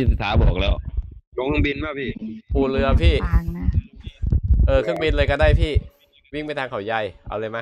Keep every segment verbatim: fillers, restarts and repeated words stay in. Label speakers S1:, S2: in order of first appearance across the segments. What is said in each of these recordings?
S1: ถาบอกแล้ว
S2: ลงเครื่องบินป่ะพี่
S3: ปูเรือพี่
S4: ฟางนะ
S3: เออเครื่องบินเลยก็ได้พี่วิ่งไปทางเขาใหญ่เอาเลยไหม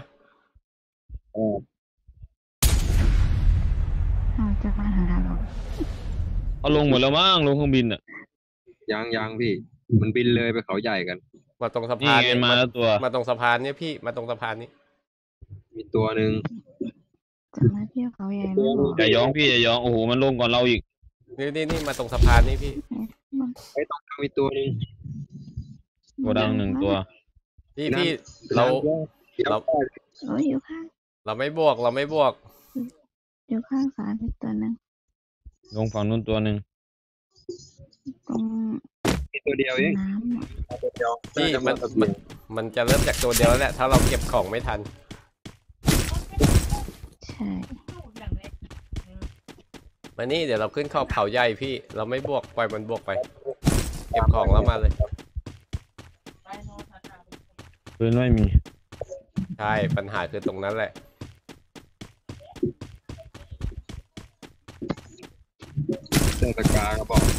S4: เราจะมาทางทางเรา
S1: เอาลงหมดแล้วมั้งลงเครื่องบินอ่ะ
S2: ยังยังพี่มันบินเลยไปเขาใหญ่กัน
S3: มาตรงสะ
S1: นี่
S3: พาน
S1: ไงมาแล้วตัว
S3: มาตรงสะพานเนี่ยพี่มาตรงสะพานนี้
S2: มีตัวหนึ่ง
S4: จะมาเที่ยวเขาใหญ่ไม่บอก
S1: อย่าย้องพี่อย่าย้องโอ้โหมันลงก่อนเราอีก
S3: นี่นี่นี่มาตรงสะพานนี่พี่
S2: ไอ้ตรงกลางมีตัวหนึ่ง
S1: โกดังหนึ่งตัว
S3: พี่พี่เราเรา
S4: โอ้ยอยู่ข้าง
S3: เราไม่บวกเราไม่บวก
S4: อยู่ข้างสารอีกตัวหนึ่ง
S1: ลงฝั่งนู้นตัวหนึ่ง
S4: ตรง
S2: มีตัวเดียวเอง
S4: น้
S2: ำ
S3: พี่มันมันมันจะเริ่มจากตัวเดียวแล้วแหละถ้าเราเก็บของไม่ทัน
S4: ใช่
S3: มานี่เดี๋ยวเราขึ้นเข้าเขาใหญ่พี่เราไม่บวกปล่อยมันบวกไปเก็บของแล้วมาเลย
S1: ปืนไม่มี
S3: ใช่ปัญหาคือตรงนั้นแหละ
S2: เจอตะกาก็บอก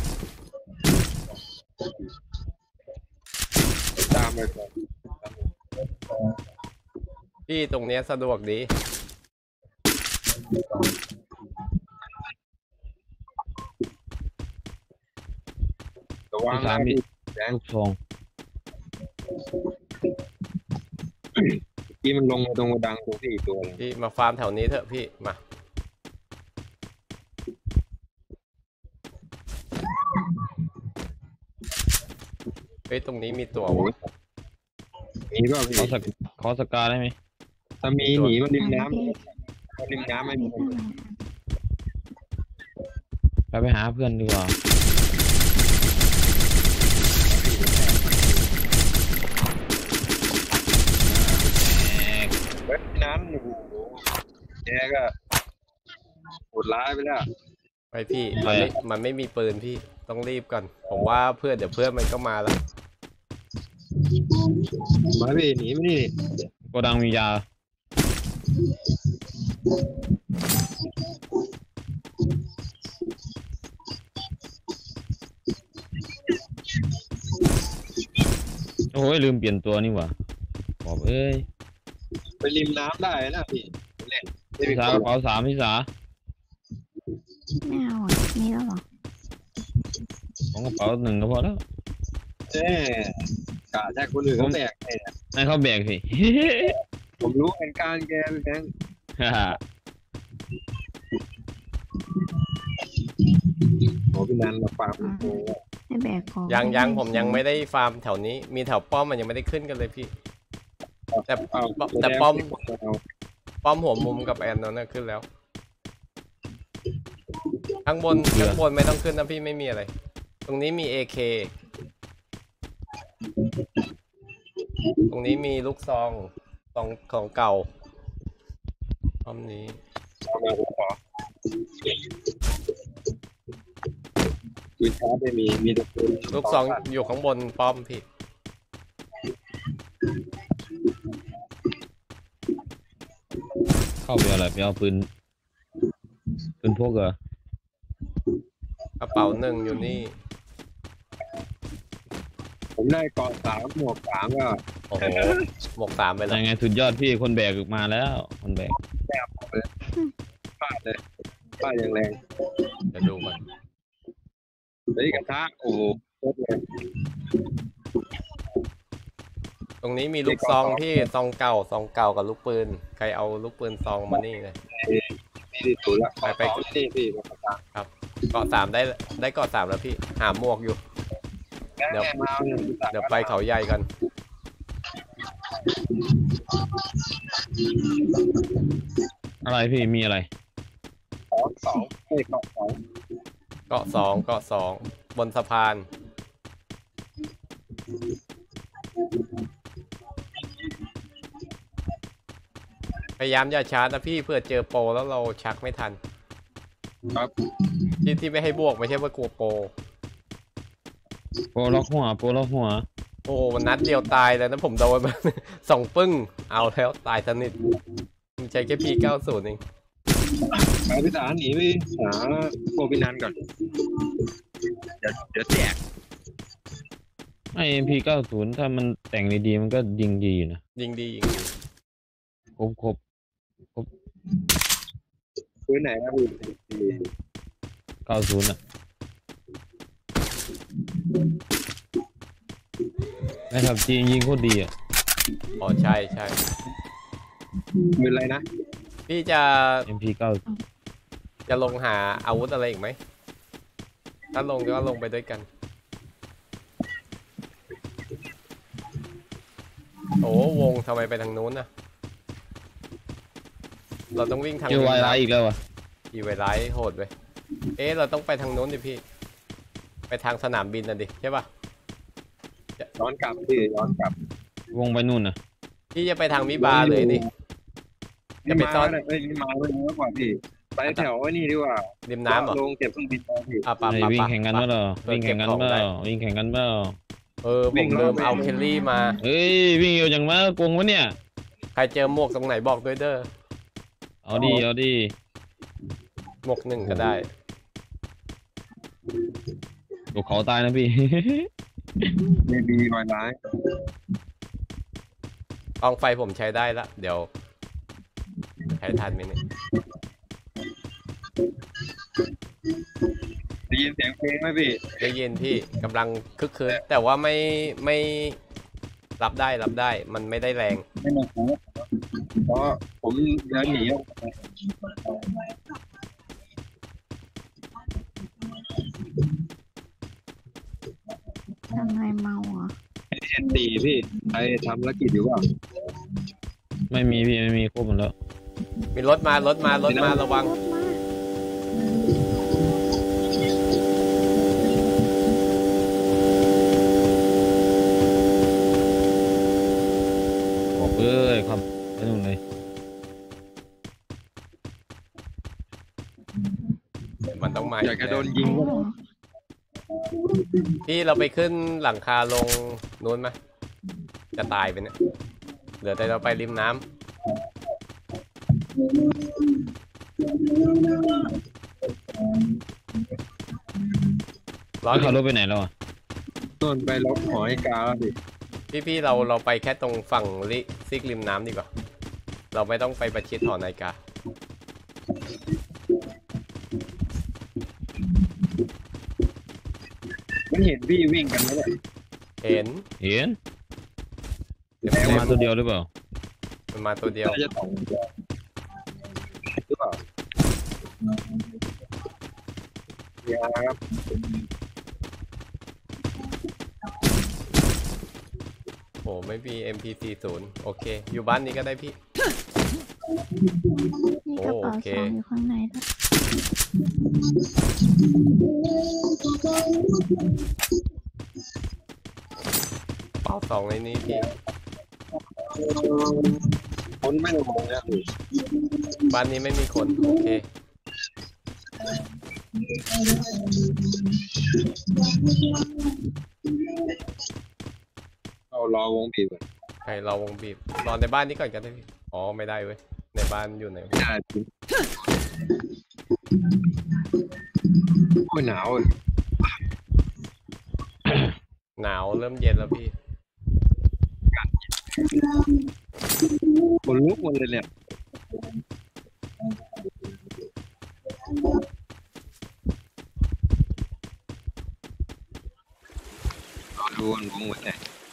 S2: ตามไปก่อน
S3: พี่ตรงเนี้ยสะดวกดี
S2: ระวังนะพี่แดง
S1: ทอง
S2: พี่มันลงมาตรงกระดังตรงที่อีกตัวนึง
S3: พี่มาฟาร์มแถวนี้เถอะพี่มาเฮ้ยตรงนี้มีตัว
S2: มีป่ะพี่
S1: ขอสกขอสกาได้ไหม
S2: ถ้ามีหนีมันริมน้ำริมน้ำไม่มี
S1: ไปไปหาเพื่อนดีกว่า
S2: เฮ้ยนั้นโอ้โหแกก็โหดร้ายไปแล้ว
S3: ไปพี่มันไม่มันไม่มีปืนพี่ต้องรีบก่อนผมว่าเพื่อนเดี๋ยวเพื่อนมันก็มาแล้ว
S2: มาพี่หนีไม่นี่
S1: โกดังมียาโอ้ยลืมเปลี่ยนตัวนี่หว่าบอกเอ้ย
S2: ไปริมน้ำได้นะพี่เล่น
S1: พี่สากระเป๋าสามพี่สา
S4: ไม่เอาอ่ะมีแล้วหรอ
S1: ของกระเป๋าหนึ่งก็พอแล้ว
S2: เอ๊ะกะแท้คนอื่นเขาแบก
S1: ให้เขาแบกสิ
S2: ผมรู้เป็นการแกเป็นแกงโอ้พี่นันมาฟาร์ม
S4: ให้แบกของ
S3: ยังยังผมยังไม่ได้ฟาร์มแถวนี้มีแถวป้อมมันยังไม่ได้ขึ้นกันเลยพี่แต่แต่ป้อมป้อมหัวมุมกับแอนนั่นขึ้นแล้วข้างบนข้างบนไม่ต้องขึ้นนะพี่ไม่มีอะไรตรงนี้มี เอ เค ตรงนี้มีลูกซองซองของเก่าป้อมนี้
S2: ปืนชาร์จไม่มีมีแต่ปืน
S3: ลูกซองอยู่ข้างบนป้อมพี่
S1: เข้าไปอะไรไปเอาปืนปืนพกเหร
S3: อกระเป๋าหนึ่งอยู่นี่
S2: ผมได้กองสามหมวกสามก็
S3: โอ้โหหมวกสามไปแล้ว
S1: ยังไงสุดยอดพี่คนแบกมาแล้วคนแบก
S2: แบกเลยฟาดเลยฟาดอย่างแรง
S3: จะดูมัน
S2: เฮ้ยกระทะโอ้โห
S3: ตรงนี้มีลูกซองที่ซองเก่าซองเก่ากับลูกปืนใครเอาลูกปืนซองมานี่เลย
S2: นี่ถูกแล้ว
S3: ไปไป
S2: นี่พี่
S3: ครับเกาะสามได้ได้เกาะสามแล้วพี่หาหมวกอยู่เดี๋ยวเดี๋ยวไปเขาใหญ่กัน
S1: อะไรพี่มีอะไร
S2: สองสองเกาะสอง
S3: เกาะสองเกาะสองบนสะพานพยายามอย่าชาร์จนะพี่เพื่อเจอโปรแล้วเราชักไม่ทัน
S2: ครับ
S3: ที่ที่ไม่ให้บวกไม่ใช่ว่ากลัวโปร
S1: โปล็อกหัวโปล็อกหัว
S3: โอ้มันนัดเดียวตายเลยนะผมโดนมาสองปึ้งเอาแล้วตายสนิทมันใช้แค่พีเก้าศูนย์เอง
S2: ไปพิสารหนีไปหาโปรพินันก่อนเดี๋ยวเดี๋ยวแจก
S1: ไอเอ็มพีเก้าศูนย์ถ้ามันแต่งดีๆมันก็ยิงดีอยู่นะ
S3: ยิงดียิงดี
S1: ครบครบ
S2: ซื้อไหนครับพี่
S1: เก้าศูนย์อ่ะนะครับจีนยิงโคตรดีอ่ะ
S3: อ๋อใช่ใช่
S2: มืออะไรนะ
S3: พี่จะ
S1: เอ็มพีเก้า
S3: จะลงหาอาวุธอะไรอีกไหมถ้าลงก็ลงไปด้วยกันโอ้วงทำไมไปทางนู้นนะเราต้องวิ่งทาง
S1: เจอวายไลท์อีกแล้วอ่ะ
S3: อีไวไลท์โหดไปเอ๊ะเราต้องไปทางนู้นดิพี่ไปทางสนามบินน่ะดิใช่ป่ะ
S2: ย้อนกลับพี่ย้อนกลับ
S1: วงไปนู่นน่ะ
S3: พี่จะไปทางมิบาเลยดิจะไปซ่อน
S2: เอ้ยมาเลยมากกว่าพี่ไปแถวไอ้นี่ดีกว่า
S3: ริมน้ำเหรอ
S2: ลงเก็บเครื่องบินไปพี่
S3: อ่ะปะ
S1: ไอ้
S3: ปะ
S1: วิ่ง
S3: ปะ
S1: แข่งกัน
S3: ปะ
S1: เปล่า
S3: เออ
S1: วิ่งแข่งกัน
S3: เก็บของ
S1: เป
S3: ได้
S1: ล่าวิ่งแข่งกันเปล่า
S3: เออผมลืมเอาเคลลี่มา
S1: เฮ้ยวิ่งอยู่อย่างมากงวะเนี่ย
S3: ใครเจอหมวกตรงไหนบอกด้วยเด้อ
S1: เอาดีเอาดี
S3: หมวกหนึ่งก็ได้
S1: ตกเขาตายนะพี่
S2: มีบีวายร้าย
S3: กองไฟผมใช้ได้ละเดี๋ยวใช้ทันไหมเนี่ย
S2: ได้ยินเสียงเพลงไหมพี่
S3: ได้ยินพี่กำลังคึกคืนแต่ว่าไม่ไม่รับได้รับได้มันไม่ได้แรง
S2: ไม่มาคูเพราะผมเดินหนีออกไป
S4: ทำไมเมาอ่ะ
S2: เอ็นดีพี่ไปทำธุรกิจอยู่เปล่า
S1: ไม่มีพี่ไม่มีครบหมดแล้ว
S3: มีรถมารถมารถมาระวัง
S4: รถมา
S1: บอกเอ้ยครับไปนู่นเลย
S3: มันต้องมา
S2: อยากจะโดนยิง
S4: โอ้
S2: ก็
S3: พี่เราไปขึ้นหลังคาลงนู้นไหมจะตายไปเนี่ยเหลือแต่เราไปริมน้ำร้อน
S1: ขับรถไปไหนแล้วอ่ะ
S2: ต้นไปลบหอยกาแล้วพี่
S3: พี่พี่เราเราไปแค่ตรงฝั่งลิซิกริมน้ำดีกว่าเราไม่ต้องไปประชิดหอนาฬิกา
S2: มันเห็นพี่วิ่งกันไหมเนี่ย
S3: เห็น
S1: เห็น
S3: เดี๋ยว
S1: มาตัวเดียวหรือเปล่า
S3: มันมาตัวเดียว
S2: น่าจะสองตัวหรือเปล่าอย่าครับ
S3: โอ้ไม่มี เอ็ม พี สี่สิบ โอเค อยู่บ้านนี้ก็ได้พี่
S4: มีกระเป๋า
S3: โอเค
S4: ซองอยู่ข้างในด้วย
S3: เป้าสองในนี้พี่
S2: คนไม่ลงนะพี่
S3: บ้านนี้ไม่มีคน โอเค
S2: เรารอวงบีบก่อน
S3: ใครเราวงบีบรอในบ้านนี้ก่อนก็ได้พี่ อ๋อ ไม่ได้เว้ย ในบ้านอยู่ไหน
S2: ไม่ได้จริงโอ้ยหนาวเลย
S3: หนาวเริ่มเย็นแล้วพี่
S2: คนลุกหมดเลยเนี่ยรอดูวงวงหัวใจ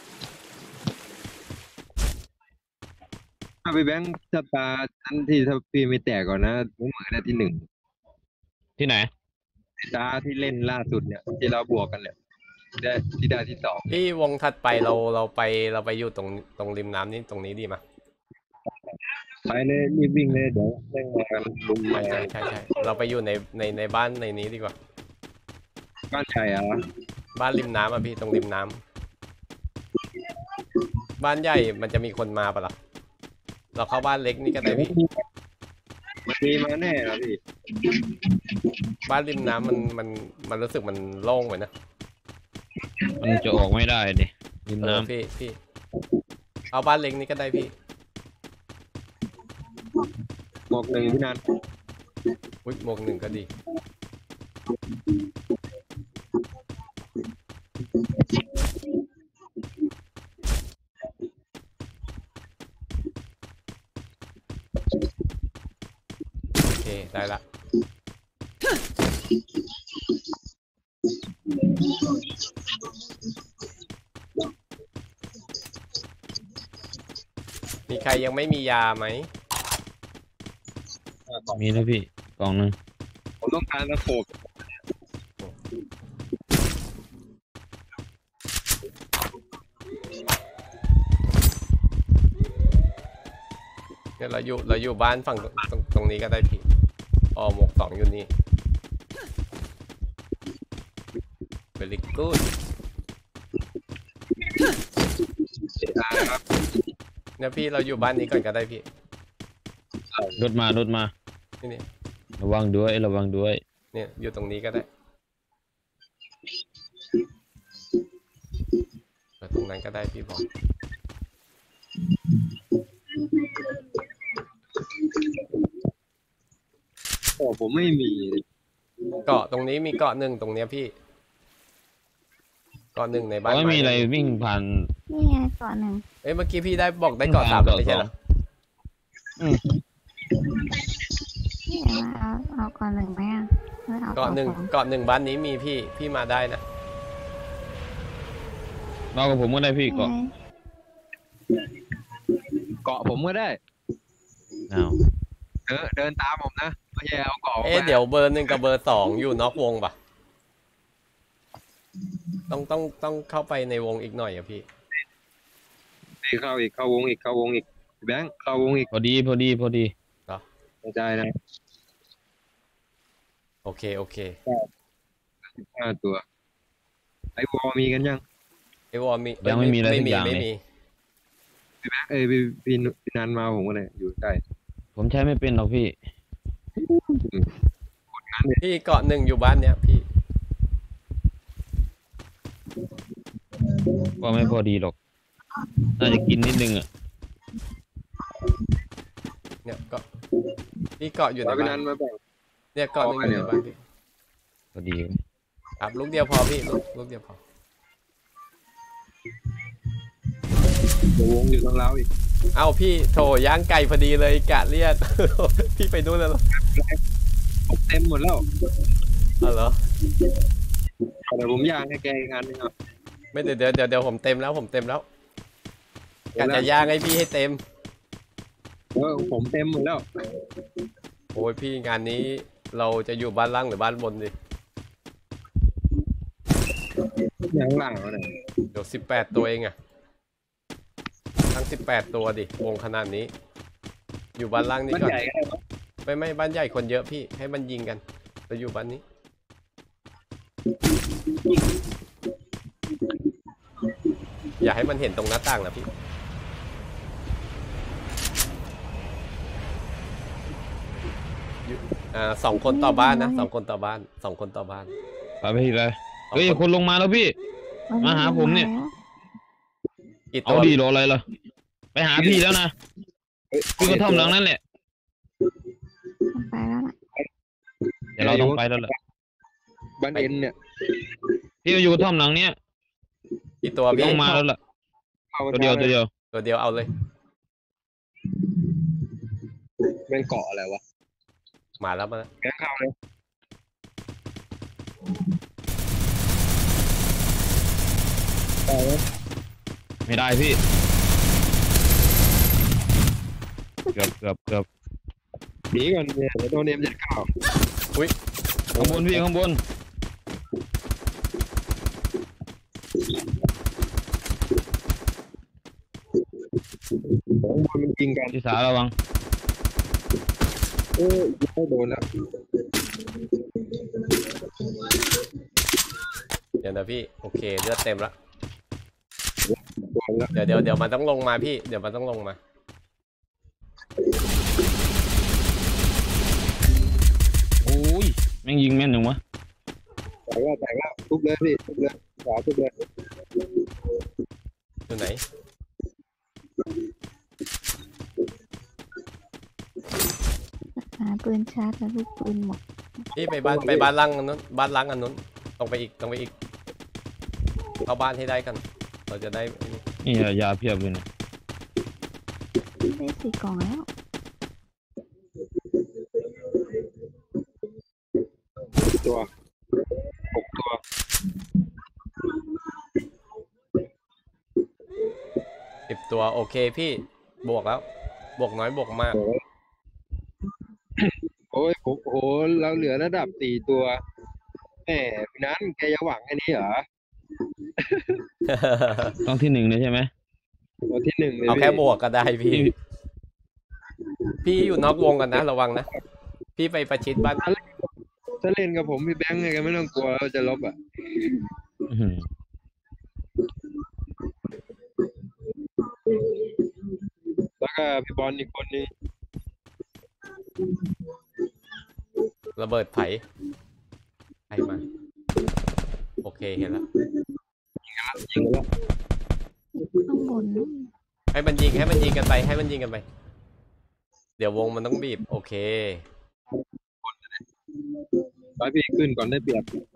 S2: ถ้าไปแบงค์สตาร์ทันที่ถ้าพี่ไม่แตกก่อนนะผมเหมือนได้ที่หนึ่ง
S1: ที่ไหน
S2: สตาร์ที่เล่นล่าสุดเนี่ยที่เราบวกกันเนี่ยได้ที่ได้ที่สอง
S3: พี่วงถัดไปเราเราไปเราไปอยู่ตรงตรงริมน้ำนี่ตรงนี้ดีมั้ย
S2: ไปเลยรีบวิ่งเลยเดี๋ยวแม่งมากันลุม
S3: ใช่
S2: มา
S3: ใช่ใช่ใช่เราไปอยู่ในในในบ้านในนี้ดีกว่า
S2: บ้านใครอ่ะ
S3: บ้านริมน้ำอ่ะพี่ตรงริมน้ำบ้านใหญ่มันจะมีคนมาปะล่ะเราเข้าบ้านเล็กนี่ก็ได้พี่
S2: มันมีมาแน่นะพี่
S3: บ้านริมน้ำมันมันมันรู้สึกมันโล่งไปนะ
S1: มันจะออกไม่ได้ดิริม
S3: เออ
S1: น้ำ
S3: พี่พี่เอาบ้านเล็กนี่ก็ได้พี่
S2: บอกหนึ่งพี่นัน
S3: อุ้ยหมวกหนึ่งก็ดีได้ละมีใครยังไม่มียาไหม
S1: มีนะพี่กล่องหนึง
S2: ผมต้องการตะโขบ
S3: เนี่ยเราอยู่เราอยู่บ้านฝั่งตรงตรงนี้ก็ได้พี่อ๋อหมวกสองอยู่นี่ very good
S2: ครับ
S3: เนี่ยพี่เราอยู่บ้านนี้ก่อนก็ได้พี่
S1: รถมารถมา
S3: นี่เนี่ย
S1: ระวังด้วยระวังด้วย
S3: เนี่ยอยู่ตรงนี้ก็ได้เปิดตรงนั้นก็ได้พี่บอก
S2: โอ้ผมไม่มี
S3: เกาะตรงนี้มีเกาะหนึ่งตรงเนี้ยพี่เกาะหนึ่งใน
S1: เพ
S3: บ้าน
S1: ราะไม่มีอะไร
S3: ไ
S1: วิ่งผ่าน
S4: นี่ไงเกาะหนึ่ง
S3: เอ้ยเมื่อกี้พี่ได้บอกได้เกาะสาม
S1: เกาะ
S3: ไม่ใช่เหรอ
S1: สอง อืม
S4: นี่เอาเอาเอาเกาะหนึ่งไหมอ่ะหรือเอา
S3: เกาะหนึ่ง
S4: สอง
S3: เกาะหนึ่งบ้านนี้มีพี่พี่มาได้นะ
S1: รอกับผมก็ได้พี่
S4: นี่
S1: เกาะ
S4: ไง
S2: เกาะผมก็ได้
S1: อ้าว
S2: เออเดินตามผมนะไม่ใช่เอาเกาะ
S3: เอ๊ะเดี๋ยวเบอร์หนึ่งกับเบอร์สองอยู่นอกวงปะต้องต้องต้องเข้าไปในวงอีกหน่อยอะพี่
S2: อีกเข้าอีกเข้าวงอีกเข้าวงอีกแบงค์เข้าวงอีก
S1: พอดีพอดีพอดี
S2: กระจายนะ
S3: โอเคโอเค
S2: ห้าตัวไอ้วอลมีกันยัง
S3: ไอวอลมี
S1: ยังไม่มีอะไร
S3: ไม่
S1: สัก
S3: มี
S1: อย่าง
S3: ไม่
S1: เลย
S3: มี
S2: พี่แบงค์เอ้ยพี่พี่พี่นันมาผมก็เลยอยู่ใกล้
S1: ผมใช้ไม่เป็นหรอกพี่
S3: พี่เกาะหนึ่งอยู่บ้านเนี้ยพี่
S1: ก็ไม่พอดีหรอกน่าจะกินนิดนึงอ่ะ
S3: เนี่ยเกาะพี่เกาะอยู่ใน
S2: แล้วพี่
S3: บ้า
S2: นั
S3: น
S2: นมาแบ่ง
S3: เนี่ยเกาะหนึ่งอยู่ในบ้านพี่
S1: พอดี
S3: ครับลูกเดียวพอพี่ลูกลูกเดียวพอ
S2: วงอยู่ตรงเราอีก
S3: เอ้าพี่โถย่างไก่พอดีเลยกะเลียด พี่ไปดูนแล้วเหรอ
S2: ผมเต็มหมดแล้ว
S3: อ๋อเหรอ
S2: แต่ผมย่างให้แกอีกอันนึงอ่ะ
S3: ไม่เดี๋ยวเดี๋ยวเดี๋ยวเดี๋ยวผมเต็มแล้วผมเต็มแล้วกะจะย่างให้พี่ให้เต็ม
S2: เออผมเต็มหมดแล้ว
S3: โอ้ยพี่งานนี้เราจะอยู่บ้านล่างหรือบ้านบนดิ
S2: อย่างหลังวะเนี่ย
S3: เดี๋ยวสิบแปดตัวเองอะทั้งสิบแปดตัวดิวงขนาดนี้ อยู่บ้านล่างนี่
S2: มัน
S3: ก่อน
S2: ใหญ่ก็ได้ปะ
S3: ไม่ไม่บ้านใหญ่คนเยอะพี่ให้มันยิงกันเราอยู่บ้านนี้ อย่าให้มันเห็นตรงหน้าต่างนะพี่อยู่อ่าสองคนต่อบ้านนะสองคนต่อบ้านสองคนต่อบ้าน
S1: ไปไปพี่ไป
S3: สอง
S1: เฮ้ย
S3: คน
S1: คนลงมาแล้วพี่ มาหาผมเนี่ย
S3: กี่ตั
S1: เอา
S3: ว
S1: ดีรออะไรล่ะไปหาพี่แล้วนะพี่ก็ท่อมหลังนั่นแหละ
S4: มันไปแล้วน่ะ
S1: เดี๋ยวเราต้องไปแล้วแหละ
S2: บ้านเอ็นเนี่ย
S1: พี่ก็อยู่กระท่อมหลังเนี้ย
S3: กี่ตัวพี่
S1: ต้องมาแล้วล่ะ
S2: เข้า
S1: ตัวเดียวตัวเดียว
S3: ตัวเดียวเอาเลย
S2: เป็นเกาะอะไรวะ
S3: มาแล้วมาแล้ว
S2: แกเข้าเลย
S1: ไม่ได้พี่เกือบเกือบเกือบ
S2: หนีก่อนเนี่ยเดี๋ยวโดนเนมจะเข้า
S1: ข้างบนพี่ข้างบน
S2: ของบอลมันยิงกัน
S1: พี่สาระวัง
S2: เออไม่โดนแล้ว
S3: เดี๋ยวนะพี่โอเคเลือดเต็มแล้ว
S2: โดนแล้ว
S3: เดี๋ยวเดี๋ยวเดี๋ยวมันต้องลงมาพี่เดี๋ยวมันต้องลงมา
S1: โอ้ยแม่งยิงแม่นหนึ่งวะ
S2: แต่ว่าแต่ว่าทุบเลยพี่ทุบเลยขวาทุบเลย
S3: อยู่ไหน
S4: หาปืนชาร์จแล้วลูกปืนหมด
S3: พี่ไปบ้านไปบ้านล่างอันนู้นบ้านล่างอันนู้นตรงไปอีกตรงไปอีกเข้าบ้านให้ได้กัน เราจะได้ไอ้นี่
S1: นี่ยาเพียบเลยนะ
S4: ได้สี่กล่องแล้ว
S3: สิบตัวโอเคพี่บวกแล้ว บวกน้อยบวกมาก
S2: โอ้ยโอ้โหเราเหลือระดับสี่ตัวแหมพี่นั้นแกจะหวังอันนี้เหรอ
S1: ต้องที่หนึ่งเลยใช่ไหม
S2: ตัวที่หนึ่งเลย
S3: เอาแค่
S2: พี่
S3: บวกก็ได้พี่ พี่อยู่นอกวงกันนะระวังนะ พี่ไปประชิดบ้าน
S2: ถ้าเล่นกับผมพี่แบงค์ไงก็ไม่ต้องกลัวเราจะลบอ่ะ
S1: อื้อหือ
S2: แล้วก็พี่บอลอีกคนนึง
S3: ระเบิดไผ่ไผ่มา โอเคเห็นแล้ว
S2: ยิงแล้ว
S4: ข้างบนนู่น
S3: ให้มันยิงให้มันยิงกันไปให้มันยิงกันไป เดี๋ยววงมันต้องบีบ โอเค
S2: ไปพี่ขึ้นก่อนได้เปรียบ
S3: ไป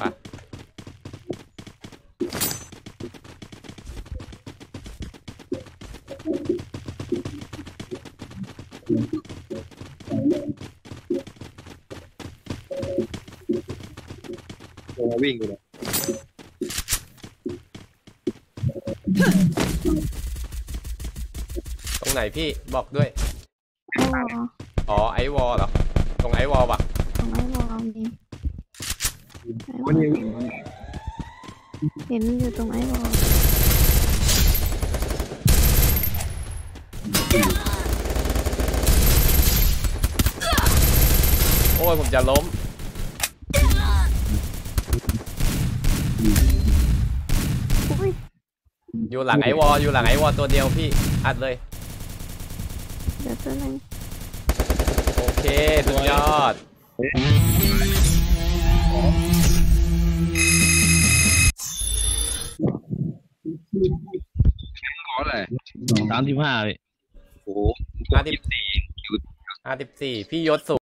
S2: ตัววิ่งอยู่เลย
S3: ตรงไหนพี่บอกด้วย
S4: ไอวอล
S3: อ๋อไอวอลเหรอ ตรงไอวอลปะ
S4: ของไอวอลมีไอวอ
S2: วัน
S4: ล
S2: นี้
S4: เห็นอยู่ตรงไอวอล
S3: โอ้ยผมจะล้ม
S4: อุ้ย
S3: อยู่หลังไอวอลอยู่หลังไอวอลตัวเดียวพี่ อัดเลย
S4: เดี๋ยวตัวหนึง
S3: โอเคสุดยอด
S2: ขออะไร
S1: สามสิบห้าพี่
S2: โอ้โห
S3: ห้าสิบ
S2: สี่
S3: ห้าสิบสี่พี่ยศสูง